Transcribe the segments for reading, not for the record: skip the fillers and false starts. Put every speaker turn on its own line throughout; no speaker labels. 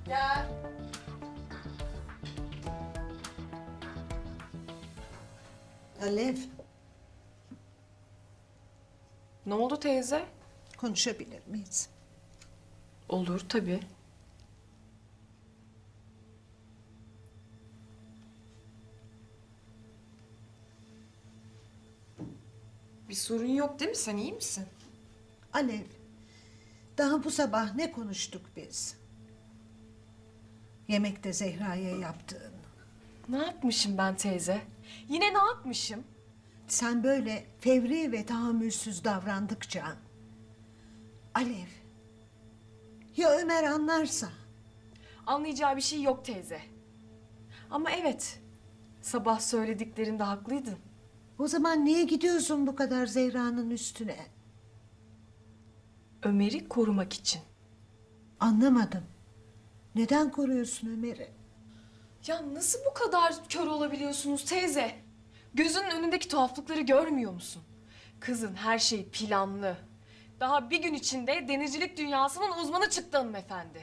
Gel.
Alev,
Ne oldu teyze?
konuşabilir miyiz?
Olur tabii. Bir sorun yok değil mi? Sen iyi misin?
Alev, daha bu sabah ne konuştuk biz? Yemekte Zehra'ya yaptığın.
Ne yapmışım ben teyze? Yine ne yapmışım?
Sen böyle fevri ve tahammülsüz davrandıkça... Alev, ya Ömer anlarsa?
Anlayacağı bir şey yok teyze. Ama evet, sabah söylediklerinde haklıydın.
O zaman niye gidiyorsun bu kadar Zehra'nın üstüne?
Ömer'i korumak için.
Anlamadım. Neden koruyorsun Ömer'i?
Ya nasıl bu kadar kör olabiliyorsunuz teyze? Gözünün önündeki tuhaflıkları görmüyor musun? Kızın her şeyi planlı. Daha bir gün içinde denizcilik dünyasının uzmanı çıktı hanımefendi.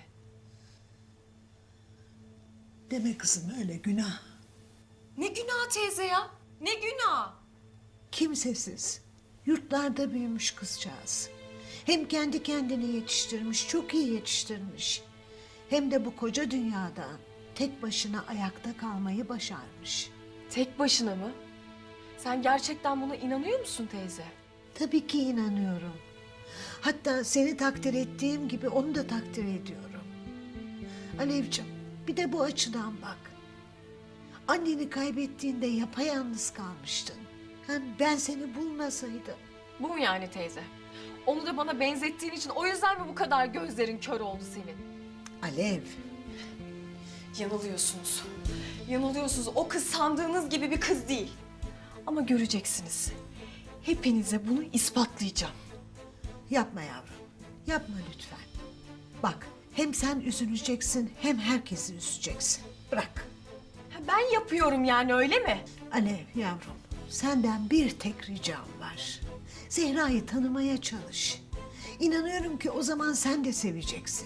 Deme kızım öyle günah.
Ne günah teyze ya? Ne günah?
Kimsesiz, yurtlarda büyümüş kızcağız. Hem kendi kendini yetiştirmiş, çok iyi yetiştirmiş. Hem de bu koca dünyada tek başına ayakta kalmayı başarmış.
Tek başına mı? Sen gerçekten buna inanıyor musun teyze?
Tabii ki inanıyorum. Hatta seni takdir ettiğim gibi onu da takdir ediyorum. Alevciğim, bir de bu açıdan bak. Anneni kaybettiğinde yapayalnız kalmıştın. Hem ben seni bulmasaydım.
Bu mu yani teyze? Onu da bana benzettiğin için o yüzden mi bu kadar gözlerin kör oldu senin?
Alev,
Yanılıyorsunuz. Yanılıyorsunuz. O kız sandığınız gibi bir kız değil. Ama göreceksiniz. Hepinize bunu ispatlayacağım.
yapma yavrum. Yapma lütfen. Bak, hem sen üzüleceksin hem herkesi üzeceksin. Bırak.
Ha, ben yapıyorum yani öyle mi?
Alev yavrum, senden bir tek ricam var. Zehra'yı tanımaya çalış. İnanıyorum ki o zaman sen de seveceksin.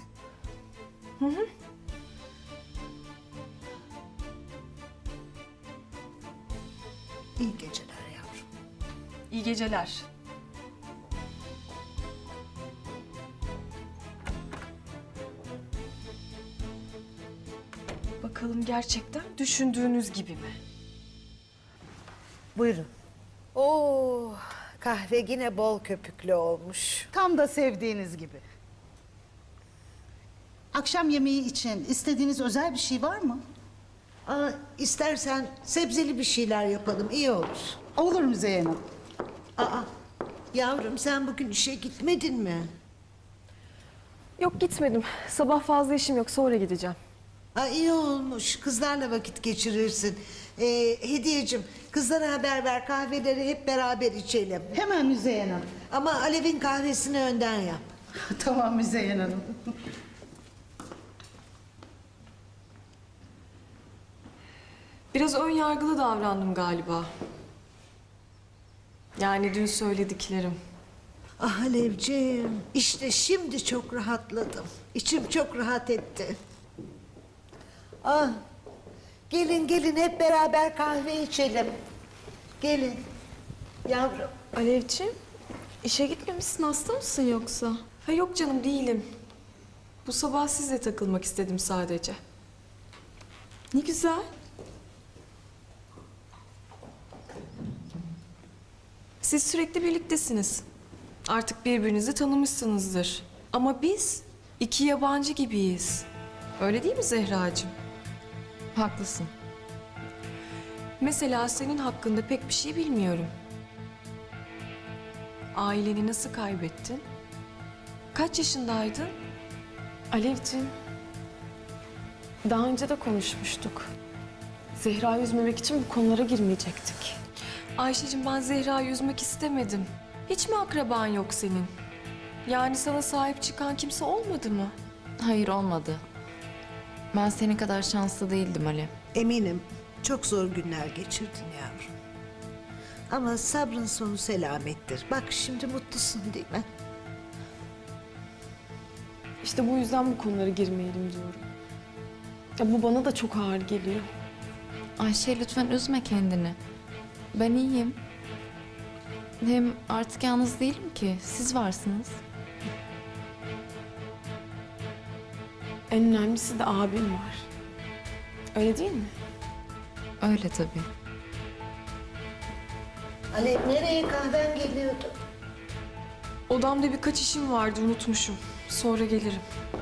İyi geceler yavrum.
İyi geceler. Bakalım gerçekten düşündüğünüz gibi mi?
Buyurun. Oo, kahve yine bol köpüklü olmuş.
Tam da sevdiğiniz gibi. Akşam yemeği için istediğiniz özel bir şey var mı?
Aa, istersen sebzeli bir şeyler yapalım, iyi olur.
Olur Müzeyyen Hanım.
Aa, yavrum sen bugün işe gitmedin mi?
Yok gitmedim. Sabah fazla işim yok. Sonra gideceğim.
Aa, iyi olmuş. Kızlarla vakit geçirirsin. Hediyeciğim, kızlara haber ver. Kahveleri hep beraber içelim.
Hemen Müzeyyen Hanım.
Ama Alev'in kahvesini önden yap.
Tamam Müzeyyen Hanım.
Biraz ön yargılı davrandım galiba. Yani dün söylediklerim.
Ah Alevciğim, işte şimdi çok rahatladım. İçim çok rahat etti. Ah, gelin gelin hep beraber kahve içelim. Gelin. Yavrum.
Alevciğim, işe gitmemişsin, hasta mısın yoksa?
Ha yok canım değilim. Bu sabah sizle takılmak istedim sadece.
Ne güzel.
Siz sürekli birliktesiniz. Artık birbirinizi tanımışsınızdır. Ama biz iki yabancı gibiyiz. Öyle değil mi Zehracığım?
Haklısın.
Mesela senin hakkında pek bir şey bilmiyorum. Aileni nasıl kaybettin? Kaç yaşındaydın?
Alevciğim, daha önce de konuşmuştuk. Zehra'yı üzmemek için bu konulara girmeyecektik.
Ayşe'cim ben Zehra'yı üzmek istemedim. Hiç mi akraban yok senin? Yani sana sahip çıkan kimse olmadı mı?
Hayır olmadı. Ben senin kadar şanslı değildim Ali.
Eminim çok zor günler geçirdin yavrum. Ama sabrın sonu selamettir. Bak şimdi mutlusun değil mi?
İşte bu yüzden bu konulara girmeyelim diyorum. Ya bu bana da çok ağır geliyor.
Ayşe lütfen üzme kendini. Ben iyiyim. Hem artık yalnız değilim ki. Siz varsınız.
En önemlisi de abim var. Öyle değil mi?
Öyle tabii.
Alev nereye, kahven geliyordu?
Odamda birkaç işim vardı, unutmuşum. Sonra gelirim.